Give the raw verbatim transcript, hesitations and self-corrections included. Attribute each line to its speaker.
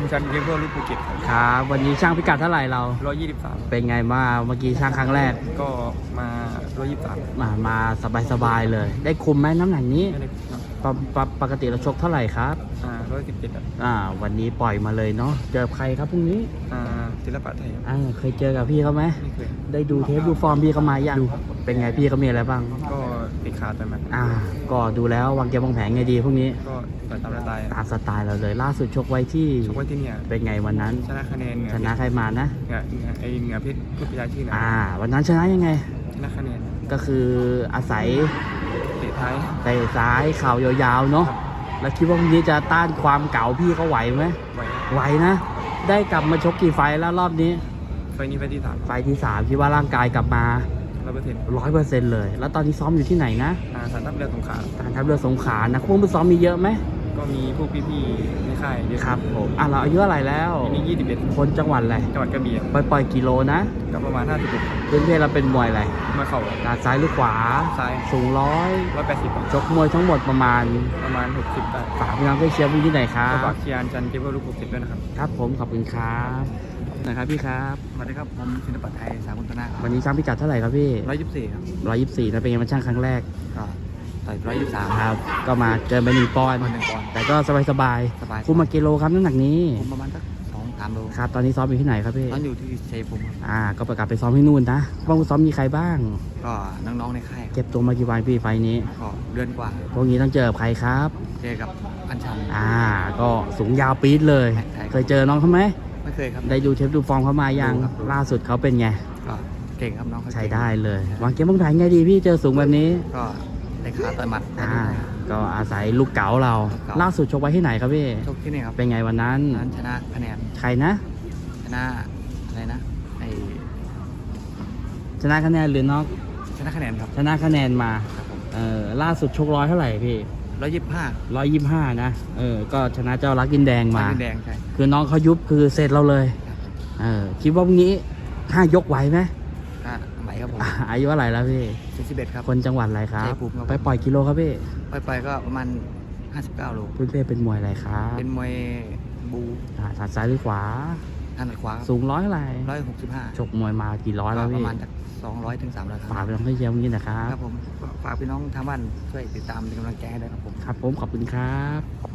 Speaker 1: ชันเกมเพื่อลูกภูเก็ตครับ
Speaker 2: ครับวันนี้ช่างพิกัดเท่าไหร่เรา
Speaker 1: ร้อยยี่สิบสาม
Speaker 2: เป็นไงบ้างเมื่อกี้ช่างครั้งแรก
Speaker 1: ก็มาร้อยยี่สิบสาม
Speaker 2: มามาสบายๆเลย ได้คุมไหมน้ำหนักนี้
Speaker 1: ไม่ได้ครับ
Speaker 2: ปกปกปกติเราชกเท่าไหร่ครับ
Speaker 1: อ่าร้อยสิบเจ็ดครับ
Speaker 2: อ่าวันนี้ปล่อยมาเลยเนาะเจอใครครับพรุ่งนี้
Speaker 1: อ่าศิลปะไทยครับ
Speaker 2: อ่าเคยเจอกับพี่เขาไหม
Speaker 1: ไม่เคย
Speaker 2: ได้ดูเทปดูฟอร์มพี่เขามายังเป็นไงพี่เขามีอะไรบ้าง
Speaker 1: ก็ติดขาดไปมัน
Speaker 2: อ่าก็ดูแล้ววางเกมวางแผนไงดีพรุ่งนี้
Speaker 1: ก็ต่อยตามสไตล์
Speaker 2: ตามสไตล์เราเลย ล่าสุดชกไว้ที่
Speaker 1: ชกไว้ที่เนี่ย
Speaker 2: เป็นไงวันนั้น
Speaker 1: ชนะคะแนนเหนือ
Speaker 2: ชนะใครมานะ
Speaker 1: เหนือเหนือไอเหนือเพชรพุทธยาชื่อนะ
Speaker 2: อ่า วันนั้นชนะยังไง
Speaker 1: ชนะคะแนน
Speaker 2: ก็คืออาศัย
Speaker 1: เตะท้าย
Speaker 2: เตะซ้ายเข่ายาวๆเนาะแล้วคิดว่าวันนี้จะต้านความเก่าพี่เขาไหวไหม
Speaker 1: ไหว
Speaker 2: ไหวนะ ได้กลับมาชกกี่ไฟล์แล้วรอบนี้
Speaker 1: ไฟนี้ไฟที่สาม
Speaker 2: ไฟล์ที่สามคิดว่าร่างกายกลับมา
Speaker 1: ร้อยเปอร์เซ็นต์
Speaker 2: ร้อยเปอร์เซ็นต์เลย แล้วตอนนี้ซ้อมอยู่ที่ไหนนะ
Speaker 1: อ่าสันทัพเรือสงขลา
Speaker 2: การทัพเรือสงขลานะพวกมือซ้อมมีเยอะไหม
Speaker 1: ก็มีพวกพี่ๆในค่ายเยอะ
Speaker 2: ครับผมอ่ะเราอายุเท่าไหร่แล้ว
Speaker 1: ปีนี้ยี่สิบเอ็ด
Speaker 2: คนจังหวัดอะไร
Speaker 1: จังหวัดกระบี่ครับ
Speaker 2: ปล่อยปล่อยกิโลนะ
Speaker 1: ก็ประมาณห้าสิบหก
Speaker 2: เพื่อนเพื่อนเราเป็นมวยอะไร
Speaker 1: มาเข่า
Speaker 2: ด้านซ้ายหรือขวา
Speaker 1: ซ้าย
Speaker 2: สูงร้อย
Speaker 1: ร้อยแปดสิบ
Speaker 2: ชกมวยทั้งหมดประมาณ
Speaker 1: ประมาณหกสิบได้
Speaker 2: ฝากพี่น้องไปเชียร์พี่ที่ไหนครั
Speaker 1: ก็
Speaker 2: บ
Speaker 1: ฝากเชียร์จันเก็บไว้ลูกหกสิบด้วยนะครับ
Speaker 2: ครับผมขอบคุณครับนะครับพี่ครับ
Speaker 1: สวัสดีครับผมศิลปะไทยสากุลธนา
Speaker 2: วันนี้ช่างพิกัดเท่าไหร่ครับพี่
Speaker 1: ร้อยยี่สิบสี่ครับ
Speaker 2: ร้อยยี่สิบสี่นะเป็นไงมันช่างครั้งแรก
Speaker 1: ก็ต่อยร้อยยี่สิบสาม
Speaker 2: ครับ ก็มาเกินไปหนึ่งปอนด์
Speaker 1: คนหนึ่งปอนด์
Speaker 2: แต่ก็สบายสบาย
Speaker 1: สบาย
Speaker 2: คุมมากิโลครับน้ำหนักนี้
Speaker 1: ผมประมาณสักสองสามโล
Speaker 2: ครับตอนนี้ซ้อมอยู่ที่ไหนครับพี่
Speaker 1: ตอนอยู่ที่ชัยภูมิครับ
Speaker 2: อ่าก็ประกาศไปซ้อมที่นู่นนะบ้างซ้อมมีใครบ้าง
Speaker 1: ก็น้องๆในค่ายครับ
Speaker 2: เก็บตัวมากี่วันพี่ไฟล์นี้
Speaker 1: ก็เดือนกว่า
Speaker 2: พวกนี้ต้องเจอกับใครครับ
Speaker 1: เจอกับอัญชัน
Speaker 2: อ่า ก็สูงยาวปี๊ดเลย
Speaker 1: ใช่ครับ
Speaker 2: เคยเจอน้องเขาไหม
Speaker 1: ไม่เคยครับ
Speaker 2: ได้ดูเทปดูฟอร์มเขามายัง
Speaker 1: ดูครับ
Speaker 2: ล่าสุดเขาเป็นไง
Speaker 1: ก็เก่งครับน้องเขา
Speaker 2: ใช้
Speaker 1: เก่ง
Speaker 2: ได้เลย วางเกมวางแผนไงดีพี่เจอสูงแบบนี้
Speaker 1: ก็ในขาต่อยหมัด
Speaker 2: อ่า ก็อาศัยลูกเก๋าเรา
Speaker 1: ลูกเก๋า
Speaker 2: ล่าสุดชกไว้ที่ไหนครับพี่
Speaker 1: ชกที่นี่ครับ
Speaker 2: เป็นไงวันนั้น
Speaker 1: นั้นชนะคะแนน
Speaker 2: ใครนะ
Speaker 1: ชนะอะไรนะไอ
Speaker 2: ชนะคะแนนหรือน็อก
Speaker 1: ชนะคะแนนครับ
Speaker 2: ชนะคะแนนมา
Speaker 1: ครับผม
Speaker 2: เออล่าสุดชกร้อยเท่าไหร่พี่
Speaker 1: ร้อยยี่สิบห้า
Speaker 2: ร้อยยี่สิบห้านะ เออ ก็ชนะเจ้ารักดินแดงมา
Speaker 1: มาแดงใช่
Speaker 2: คือน้องเขายุบคือเสร็จเราเลย เออ คิดว่าวันนี้ห้ายกไหวไหม
Speaker 1: ก็ไหวครับผม
Speaker 2: อ่ะอายุเท่าไหร่แล้วพี่
Speaker 1: สี่สิบเอ็ดครับ
Speaker 2: คนจังหวัดอะไรครับ
Speaker 1: ชัยภูมิครับ
Speaker 2: ไปปล่อยกิโลครับพี่
Speaker 1: ไปไปก็ประมาณห้าสิบเก้าโล
Speaker 2: เพื่อนๆเป็นมวยอะไรครับ
Speaker 1: เป็นมวยบู
Speaker 2: อ่าถนัดซ้ายหรือขวา
Speaker 1: ถนัดขวา
Speaker 2: สูงร้อยเท่าไหร่
Speaker 1: ร้อยหกสิบห้า
Speaker 2: ชกมวยมากี่ร้อย
Speaker 1: ก็
Speaker 2: แล้ว
Speaker 1: ป
Speaker 2: พี่
Speaker 1: ระมาณจากสองร้อยถึงสามร้อยค
Speaker 2: ฝาก
Speaker 1: รับ
Speaker 2: ไปน้องเชียร์วันนี้นะครับ
Speaker 1: ครับผมฝากพี่น้องทางบ้านช่วยติดตามเป็นกำลังใจให้ด้วยครับผม
Speaker 2: ครับผมขอบคุณครับ